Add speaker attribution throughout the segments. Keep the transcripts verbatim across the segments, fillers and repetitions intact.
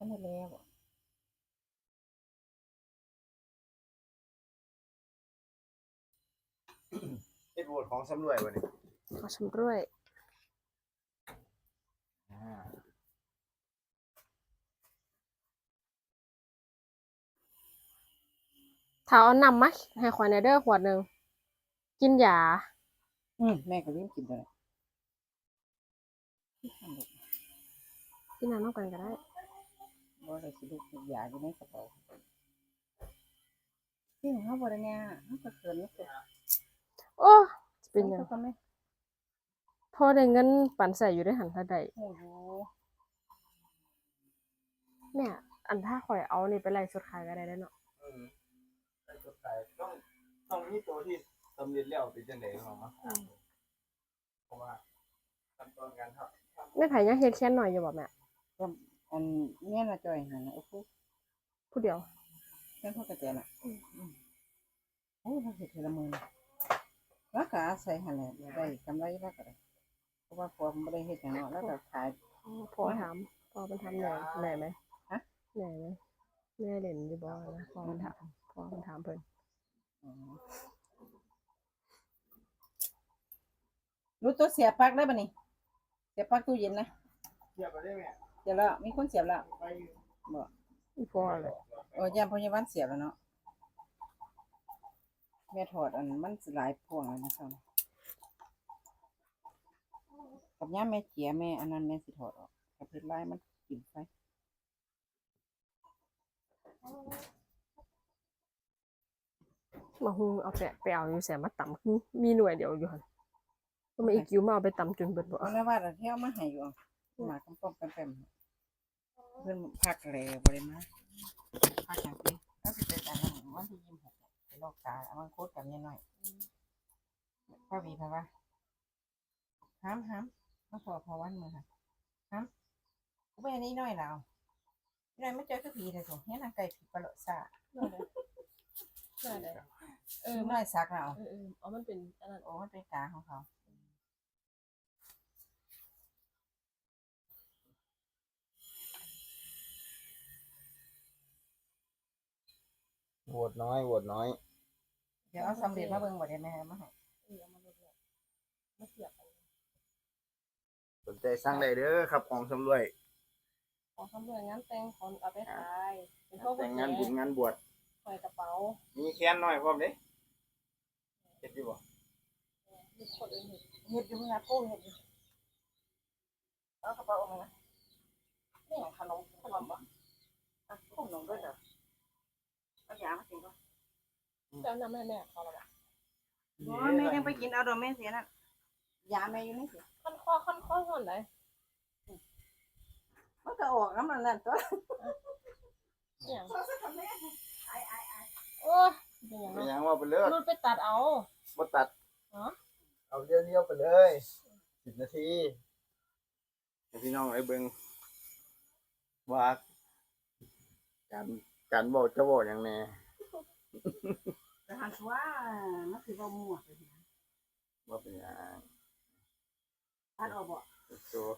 Speaker 1: ได้แล้ว
Speaker 2: เฮ็ดโหวตของสำรวยบ่นี่
Speaker 3: ขอชำรวย
Speaker 2: อ่า
Speaker 3: ถ้าเอานำมาให้ข่อยในเด้อขวดหนึ่งกินยา
Speaker 1: อืมแม่ก็ลืมกินเลย
Speaker 3: กินน้ำน้ำกันก็ได้
Speaker 1: บ่ได้สิลูกยาอยู่ในกระเป๋าที่ของเขาบ่ได้เนี่ยเขาก็เขินนี่คือ
Speaker 3: โอ้จะเป็นหยัง
Speaker 1: เขาก็ไม่
Speaker 3: พอได้เงินปันใส่อยู่ได้หันถ้าใด
Speaker 1: โอ้โห
Speaker 3: แม่อันถ้าข่อยเอานี่ไปไล่สุดขายก็ได้แล้วเนาะ
Speaker 2: อืมใส่ตัวไก่ต้องต้องมีตัวที่สำเร็จแล้วเป็นจังได๋ของมาเพราะว่าขั้นตอนการทำ
Speaker 3: แม่ไผยังเฮ็ดแค่หน่อยอยู่บ่แม่
Speaker 1: ก็อันเนี้ยน่ะจอยหั่นน่ะโอ้โห
Speaker 3: ผู้เดียว
Speaker 1: แค่พวกกระเจน่ะอืมโอ้เขาเฮ็ดทีละมื้อแล้วก็อาศัยหั่นแหละได้กำไรแล้วก็ได้เพราะว่าพอมันบ่ได้เฮ็ดหยังเนาะแล้วก็ขาย
Speaker 3: พอถามพอมันทำเหนื่อยเหนื่อยไหม
Speaker 1: ฮะ
Speaker 3: เหนื่อยไหมแม่เล่นอยู่บ่นะพอมันถามพอมันถามเพิ่น
Speaker 1: อ๋อรู้ตัวเสียบปลั๊กได้ป่ะนี่เสียบปลั๊กตู้เย็นนะ
Speaker 2: เทียบกันได้ไหม
Speaker 1: เสียบแล้วมีคนเสียบแล้ว
Speaker 2: ไป
Speaker 1: บ่
Speaker 3: อีพอเลย
Speaker 1: โอ้ยามพยาบาลเสียบแล้วเนาะแม่ถอดอันมันสิหลายพวงแล้วนะครับกับย่ามแม่เจียแม่อันนั้นแม่สิถอดออกกับเพิ่นลายมันกินไป
Speaker 3: มาฮูเอาไปไปเอาอยู่แสมาตำคือมีหน่วยเดียวอยู่หั่นก็มาอีกกิ้วมาเอาไปตำจนเบิดบ่
Speaker 1: เอาละว่าแต่เที่ยวมาให้อยู่เอาหมากำป้อมแปมๆเพิ่นพักแล้วบ่ได้มาพักจังซี่แล้วสิไปอันนั้นวันที่ยี่สิบหกไปลอกตาเอามาโคตรกับเมียน้อยพ่อวีพะว่าห้ามห้ามมาขอพอวันมื้อค่ะห้ามกูไปอันนี้น้อยแล้วนี่น้อยไม่เจอคือผีเลยโถเนี่ยนางไก่ผีปลาโลซ่า
Speaker 3: ได้ได้เอ
Speaker 1: เอ
Speaker 3: อ
Speaker 1: อน้อยซักแล้ว
Speaker 3: เออเออเอามันเป็นอันนั้น
Speaker 1: โอ้มันเป็นกาของเขา
Speaker 2: โหวตน้อยโหวตน้อย
Speaker 1: เดี๋ยวเอาสำเร็จมาเบิ่งบ่ได้แม่มาให้
Speaker 3: เออเอามาลดเลยมาเสียบกัน
Speaker 2: สนใจสั่งได้เด้อครับของสำรวย
Speaker 3: ของสำรวยงานแต่งของเอาไปขายเป็นพวก
Speaker 2: แต่งงานบุญงานบวช
Speaker 3: ใส่กระเป๋า
Speaker 2: มีแค้นน้อยพร้อมเด้เฮ็ดอยู่บ่
Speaker 3: มีคนอื่นเห็น
Speaker 1: เฮ็ดอยู่นะปูเฮ็ดอยู่เอากระเป๋าออกมานะนี่ขนมขนมบ่อ่ะขนมด้วยเหรอเอายามากินก่อน
Speaker 3: จะนำให้แม่เขาละบ่
Speaker 1: อ๋อแม่ยังไปกินเอาดอกแม่เสียนั่นยาแม่อยู่นี่สิ
Speaker 3: ขั้นข้อขั้นข้อส่วนไหน
Speaker 1: มันก็ออกน้ำมันนั่นตัว
Speaker 3: อย่างโอ้ยเป็นอย่าง
Speaker 2: เป็น
Speaker 3: นั้น
Speaker 2: หยังว่าไปเลย
Speaker 3: มันไปตัดเอา
Speaker 2: บ่ตัด
Speaker 3: อ๋อ
Speaker 2: เอาเลี้ยวๆไปเลยสิบนาทีให้พี่น้องได้เบิ่งว่าการการบอกจะบอกหยังแน่
Speaker 1: แต่หันว่ามันคือว่ามั่วไปนะ
Speaker 2: ว่าเป็นหยัง
Speaker 1: ตัดออกบ่
Speaker 2: ตัว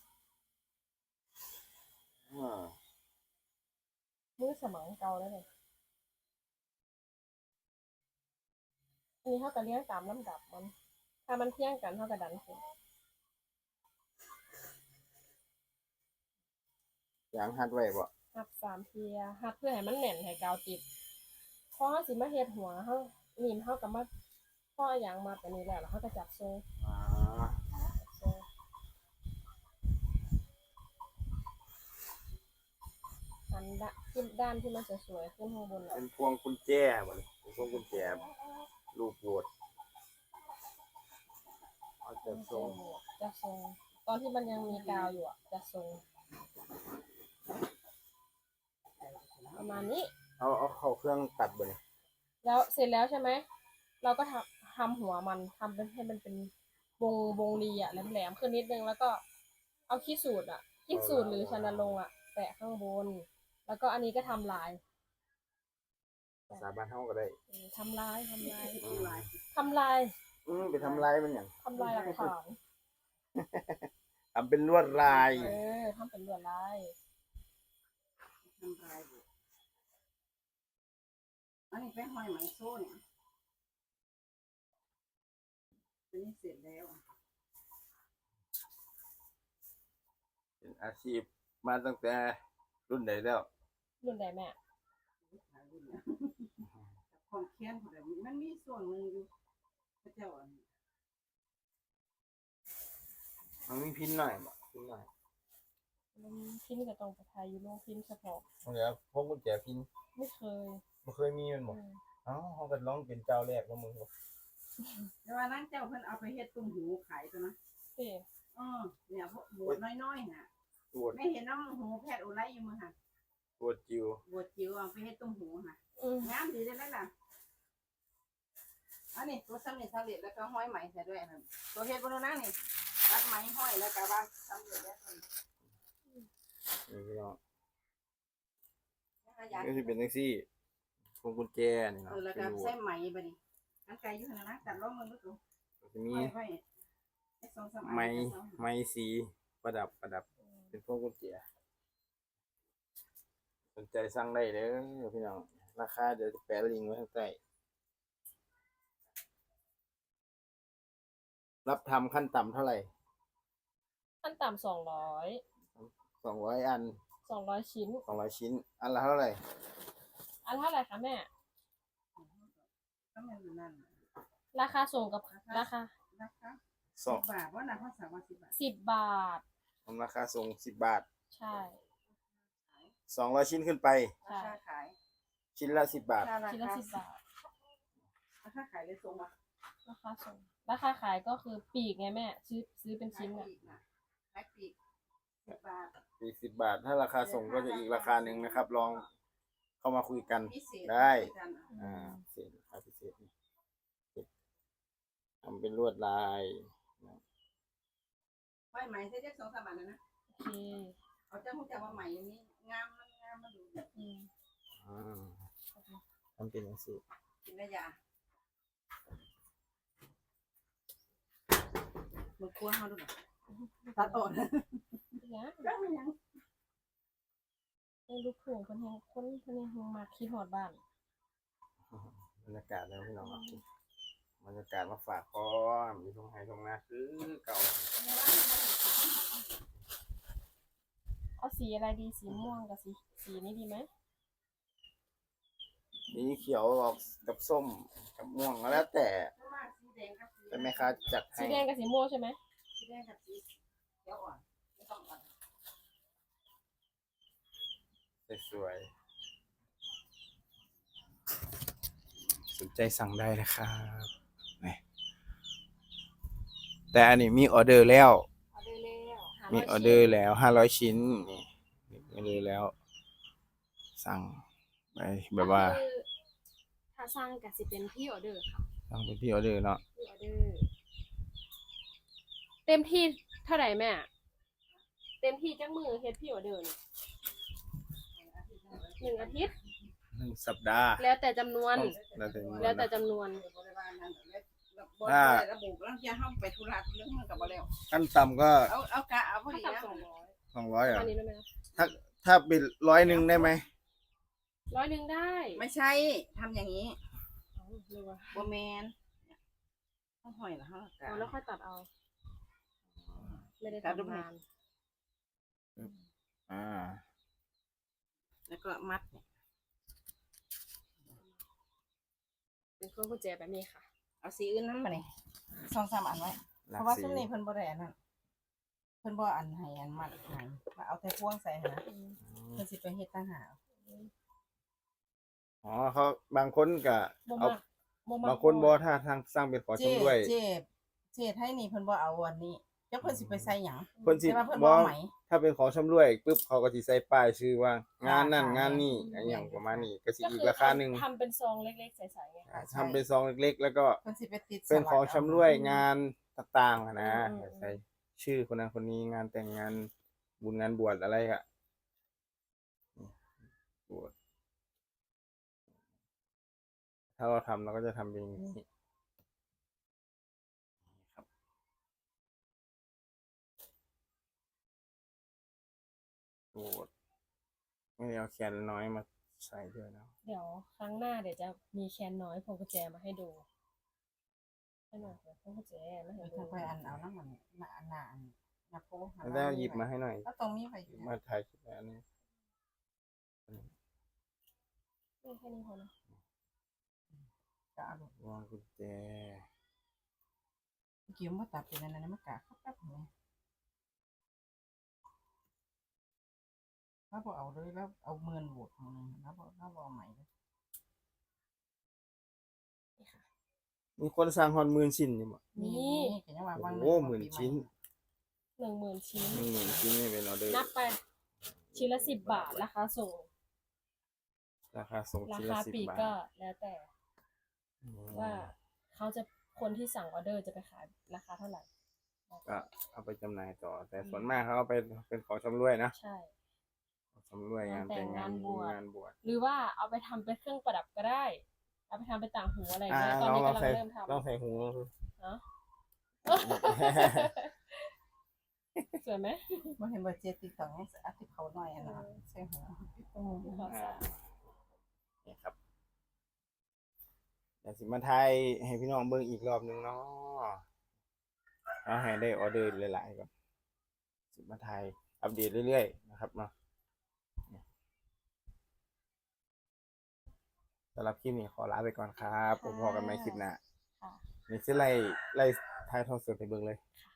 Speaker 2: อ่า
Speaker 3: มือสมังเก่าแล้วเลยอันนี้เขาจะเลี้ยงตามลำดับมัน ถ้ามันเที่ยงกันเขาก็ดันขึ้น
Speaker 2: ยางหัดไว้บ่
Speaker 3: หัดสามเทียหัดเพื่อให้มันแน่นให้กาวติดพอเขาสิมาเฮ็ดหัวเขานีมเขากับมาพ่ออย่างมาแต่นี้แล้วแล้วเขาก็จับโซ่
Speaker 2: อ่า
Speaker 3: จับโซ่อันด้านที่ด้านที่มันสวยๆขึ้นข้างบน
Speaker 2: เป็นพวงกุญแจบ่นี่เป็นพวงกุญแจรูปโบสถ์เอาจะทรง
Speaker 3: จะทรงตอนที่มันยังมีกาวอยู่อ่ะจะทรงประมาณนี้
Speaker 2: เอาเอาเข้าเครื่องตัดบ่นี่
Speaker 3: แล้วเสร็จแล้วใช่ไหมเราก็ทำทำหัวมันทำเป็นให้มันเป็นวงวงรีอ่ะแหลมๆขึ้นนิดนึงแล้วก็เอาขี้สูตรอ่ะขี้สูตรหรือชนรงค์อ่ะแปะข้างบนแล้วก็อันนี้ก็ทำลาย
Speaker 2: ภาษาบ้านเฮาก็ได้
Speaker 3: เออทำลายทำลาย
Speaker 2: อืม
Speaker 3: ทำลาย
Speaker 2: อืมไปทำลายมันหยัง
Speaker 3: ทำลายหลักฐาน
Speaker 2: ทำเป็นลวดลาย
Speaker 3: เออทำเป็นลวดลาย
Speaker 1: ำลายบุอันนี้ไปห้อยไหมโซ่เนี่ยอันนี้เสร็จแล้ว
Speaker 2: เป็นอาชีพมาตั้งแต่รุ่นไหนแล้ว
Speaker 3: รุ่นใดแม่
Speaker 1: ความเคียนของแบบมันมีส่วนหนึ่งอยู่พระเจ้าอัน
Speaker 2: มันมีพินหน่อยบ่พินหน่อย
Speaker 3: มันพิมพ์กับตรงประทายอยู่โรงพิมพ์เฉพาะ
Speaker 2: เดี๋ยวพวกกุญแจพิน
Speaker 3: ไม่เคย
Speaker 2: บ่เคยมีมันบ่
Speaker 3: อืม
Speaker 2: เอ้าเฮาก็ลองเป็นเจ้าแรกแล้วมึงบ่
Speaker 1: แต่ว่านั่นเจ้าเพิ่นเอาไปเฮ็ดตุ้มหูขายตัวนะ
Speaker 3: เต้
Speaker 1: เออเนี่ยพวกบวชน้อยๆน่ะ
Speaker 2: ปวด
Speaker 1: ไม่เห็นน้ำหูแพทย์อุไรอยู่มั้งค่ะ
Speaker 2: ปวดจิว
Speaker 1: บวชจิ๋วเอาไปเฮ็ดตุ้มหูค่ะ
Speaker 3: อืม
Speaker 1: งามดีได้ไหมล่ะอันนี้ตัวสำเร็จสำเร็จแล้วก็ห้อยไหมใส่ด้วยนั่นตัวเฮ็ดบนนั้นนี่ตัดไหมห้อยแล้วก็ว่าสำเร็จแล้ว
Speaker 2: นี่พี่น้อง
Speaker 1: นะคะยาย
Speaker 2: ก็สิเป็นจังซี่พวงกุญแจนี่
Speaker 1: เอ
Speaker 2: เนาะ
Speaker 1: อแล้ว
Speaker 2: เป็
Speaker 1: ก็
Speaker 2: นรู
Speaker 1: ใส่ไหมบัดนี้อันไกลอยู่หั่นนะตัดล้อมือลูกตัว
Speaker 2: ก็สิมี
Speaker 1: ห้อยไว้ไอ้สองสามอัน
Speaker 2: ไม้
Speaker 1: ก็สอง
Speaker 2: ไม้สีประดับประดับเป็นพวงกุญแจสนใจสั่งได้เด้อพี่น้องราคาเดี๋ยวจะแปะลิงก์ไว้ข้างใต้รับทำขั้นต่ำเท่าไหร่
Speaker 3: ขั้นต่ำสองร้อย
Speaker 2: สองร้อยอัน
Speaker 3: สองร้อยชิ้น
Speaker 2: สองร้อยชิ้น อันละเท่าไหร่
Speaker 3: อันเท่าไหร่คะแม่
Speaker 1: ก็มันอยู่นั่นน่ะ
Speaker 3: ราคาส่งกับราคา
Speaker 1: นะคะ
Speaker 2: สอง
Speaker 1: สิบบาทว่านะเขาสามว่าสิบบาท
Speaker 3: สิบบาท
Speaker 2: ผมราคาส่งสิบบาท
Speaker 3: ใช่
Speaker 2: สองร้อยชิ้นขึ้นไป
Speaker 1: ราคาขาย
Speaker 2: ชิ้นละสิบบาท
Speaker 1: รา
Speaker 3: ชิ้นละ
Speaker 1: คา
Speaker 3: สิบบาท
Speaker 1: ราคาขายเลยส่งมา
Speaker 3: ราคาส่ง ราคาขายก็คือปีกไงแม่ ซื้อซื้อเป็นชิ้น
Speaker 1: ขาย
Speaker 3: อ่ะ
Speaker 1: ปลีกนะขายปลีกสิบบาท
Speaker 2: อีกสิบบาท ถ้าราคาส่งก็จะอีกราคาหนึ่งนะครับ ลองเข้ามาคุยกัน
Speaker 1: พิเศษ
Speaker 2: ได้
Speaker 1: คุยกันอ่ะ
Speaker 2: อ่าพิเศษราคาพิเศษนี่ทำเป็นลวดลาย
Speaker 1: ห้อยไหมใช้ได้สองสามบาทนะนะ
Speaker 3: โอเค
Speaker 1: เอาเจ้าผู้จักว่าไหมอย่างนี้งามมันงามมันดู
Speaker 3: อืม
Speaker 2: อ่าทำเป็นอย่างนี้
Speaker 1: กินได้ยามันคั่วเขาดูหน่อยตัดออกนะ
Speaker 3: เนี่ย
Speaker 1: ก็ไม่ยัง
Speaker 3: ไอ้ลูกถุงคนแหงคนคนแหงมาคิดหอดบ้าน
Speaker 2: บรรยากาศแล้วพี่น้องครับบรรยากาศมาฝากพร้อมมีทงไฮทงนาคือเก่า
Speaker 3: เอาสีอะไรดี สีม่วงกับสีสีนี้ดีไหม
Speaker 2: มีเขียวออกกับส้มกับม่วงก็แล้วแต่
Speaker 1: มากสีแดงกับสี
Speaker 2: แต่แม่ค้าจัด
Speaker 3: สี
Speaker 2: ให้
Speaker 3: แดงกับสีม่วงใช่ไหม
Speaker 1: สีแดงกับสีเขียวอ่อนไม่ต้องอ่อน
Speaker 2: สวยๆสนใจสั่งได้นะครับนี่แต่อันนี้มีออเดอร์แล้ว
Speaker 3: ออเดอร์แล้วหา
Speaker 2: มี
Speaker 3: ร้ย
Speaker 2: ออเดอร์แล้วห้าร้อยชิ้นนี่มีออเดอร์แล้ว สั่งไปแบบว่า
Speaker 3: ก็คือถ้าสั่งกับสิเป็นพี่ออเดอร์ค่ะ
Speaker 2: สั่งเป็นที่ออเดอร์เนาะ
Speaker 3: พี่ออเดอร์ เต็มที่เท่าไหร่แม่ เต็มที่จักมือเฮ็ดพี่ออเดอร์นี่หนึ่งอาทิตย์
Speaker 2: หนึ่งสัปดาห์
Speaker 3: แล้วแต่จำนวน
Speaker 2: แล้วแต่
Speaker 3: แล้วแต่
Speaker 2: นะ
Speaker 3: จำนวน
Speaker 1: บริวารนั้นแล้วบริวารระบุแล้วจะห้ามไปธุระเรื่องมันกับบ่แล้ว
Speaker 2: ขั้นต่ำก็
Speaker 1: เอาเอากะเอาพอ
Speaker 3: ถ้า
Speaker 1: ดี
Speaker 3: ต่ำ
Speaker 1: แล้ว
Speaker 3: สองร้อย
Speaker 2: สองร้อย
Speaker 3: ป
Speaker 2: อ่ะ
Speaker 3: ระมาณนี้ได้ไหมคะ
Speaker 2: ถ้าถ้าเป็นร้อยหนึ่งได้ไหม
Speaker 3: ร้อยหนึ่งได้
Speaker 1: ไม่ใช่ทำอย่างนี้
Speaker 3: เอาเลยว่ะ
Speaker 1: บ่แมนต้องหอยละฮะกะ
Speaker 3: เอาแล้วค่อยตัดเอา ไม่ได้
Speaker 1: ตัดรูป
Speaker 3: ทำ
Speaker 1: ให้
Speaker 3: นาน
Speaker 2: อ่า
Speaker 1: แล้วก็มัด
Speaker 3: เป็นเครื่องกุญแจแบบนี้ค่ะ
Speaker 1: เอาสีอื่นนั้นมานี่สองสามอันไว้
Speaker 2: หลั
Speaker 1: เพ
Speaker 2: ก
Speaker 1: ราะว่า
Speaker 2: สี
Speaker 1: ซุ้มนี้เพิ่นบ่ได้อันนั้นเพิ่นบ่อันให้อันมัดให้มาเอาแต่พวงใส่หั่นนะ
Speaker 2: อืม
Speaker 1: เพิ่นสิไปเฮ็ดต่างหาก
Speaker 2: อ๋อเขาบางคนก็
Speaker 3: บ่
Speaker 2: เอา
Speaker 3: มากบ่มาก
Speaker 2: บางคนบ่ถ้าทางสร้างเป็นขอชมด้วย
Speaker 1: เจ็บเจ็บให้นี่เพิ่นบ่เอาอันนี้จักเพิ่นสิไปใส่หยัง
Speaker 2: เพิ่นสิ
Speaker 1: แต่ว่าเพิ่น
Speaker 2: บ่
Speaker 1: บ่เอาไหม
Speaker 2: ถ้าเป็นของชำร่วยปุ๊บเขาก็สิใส่ป้ายชื่อว่า งานนั่น
Speaker 1: ค่ะ
Speaker 2: งานนี่
Speaker 1: ค่ะ
Speaker 2: อะไรอย่างประมาณนี้ก็สิ
Speaker 3: ก็
Speaker 2: อีก
Speaker 3: คือ
Speaker 2: ราคาหนึ่ง
Speaker 3: ทำเป็นซองเล็กๆใสๆไง
Speaker 2: อ่าทำเป็นซองเล็กๆ แล้วก็
Speaker 1: เพิ่นสิไปติด
Speaker 2: เป็นของ
Speaker 1: สลัก
Speaker 2: ชำร่วยงานต่างๆอะนะ
Speaker 3: อืมอืม
Speaker 2: ใส่ชื่อคนนั้นคนนี้งานแต่งงานบุญงานบวชอะไรอะบวชถ้าเราทำเราก็จะทำเป็นอย่างนี้ครับบวชไม่ได้เอาแคนน้อยมาใส่ด้วยนะ
Speaker 3: เดี๋ยวครั้งหน้าเดี๋ยวจะมีแคนน้อยพวงกุญแจมาให้ดูให้หน่อยเดี๋ยวพวงกุญแจมาให้ดู
Speaker 1: ถ้าไปอันเอาน้ำมันหน้าหน้าอันหน้าโป๊ะ
Speaker 2: แล้วหยิบมาให้หน่อย
Speaker 1: ก็ตรงนี้ไปอยู่
Speaker 2: มาถ่ายคลิปแล้วนี่
Speaker 3: นี่แค่นี้พอนะ
Speaker 1: ก็เอาลูก
Speaker 2: วางกุญแจ
Speaker 1: เกี่ยวมาตัดเป็นอันนั้นมากะครับครับเนี่ยถ้าพอเอาเลยแล้วเอาเมินบวกของนึงแล้วพอแล้วพอเอาใหม่เลย
Speaker 3: นี่ค่ะ
Speaker 2: มีคนสร้างฮอนหมื่นชิ้นนี่บ่
Speaker 3: นี่
Speaker 1: เห็นยังว่า
Speaker 2: โอ้โหหมื่นชิ้น
Speaker 3: หนึ่งหมื่นชิ้น
Speaker 2: หนึ่งหมื่นชิ้นนี่เป็นออเดอร์
Speaker 3: นับไปชิ้นละสิบบาทราคาส่ง
Speaker 2: ราคาส่ง
Speaker 3: รา
Speaker 2: ชิ้น
Speaker 3: คา
Speaker 2: ละสิบ
Speaker 3: ปลีก
Speaker 2: บาท
Speaker 3: ก็แล้วแต่
Speaker 2: อืม
Speaker 3: ว่าเขาจะคนที่สั่งออเดอร์จะไปขายราคาเท่าไหร่
Speaker 2: ก็เอาไปจำหน่ายต่อ แต่ส่วนมากเขาเอาไปเป็นของชำร่วยนะ
Speaker 3: ใช่
Speaker 2: ของชำร่วยงานแต่งงานงานบวช
Speaker 3: หรือว่าเอาไปทำเป็นเครื่องประดับก็ได้ เอาไปทำเป็นต่างหูอะไรอย่าง
Speaker 2: อ่า
Speaker 3: เงี้ยตอน
Speaker 2: ลอง
Speaker 3: นี้
Speaker 2: ลอง
Speaker 3: กำลัง
Speaker 2: ใส่
Speaker 3: เริ่มทำ
Speaker 2: ลองใส่หู
Speaker 3: เนาะ สวยไหม
Speaker 1: ไม่เห็นว่าเจติดต่อให้อาทิตย์เขาหน่อยอ่ะนะใช่หัว
Speaker 3: ขอ
Speaker 2: อ่า
Speaker 3: สาม
Speaker 2: นี่ครับเดี๋ยวสิมาไทยให้พี่น้องเบิ่งอีกรอบหนึงเนาะเอาให้ได้ออเดอร์หลายๆก่อนสิมาไทยอัปเดตเรื่อยๆนะครับเนาะสำหรับคลิปนี้ขอลาไปก่อนครับผมพอกันใหม่คลิปหน้า
Speaker 3: ค่ะ
Speaker 2: นี่สิไล่ไล่ทายทอดสดให้เบิ่งเลย
Speaker 3: ค่ะ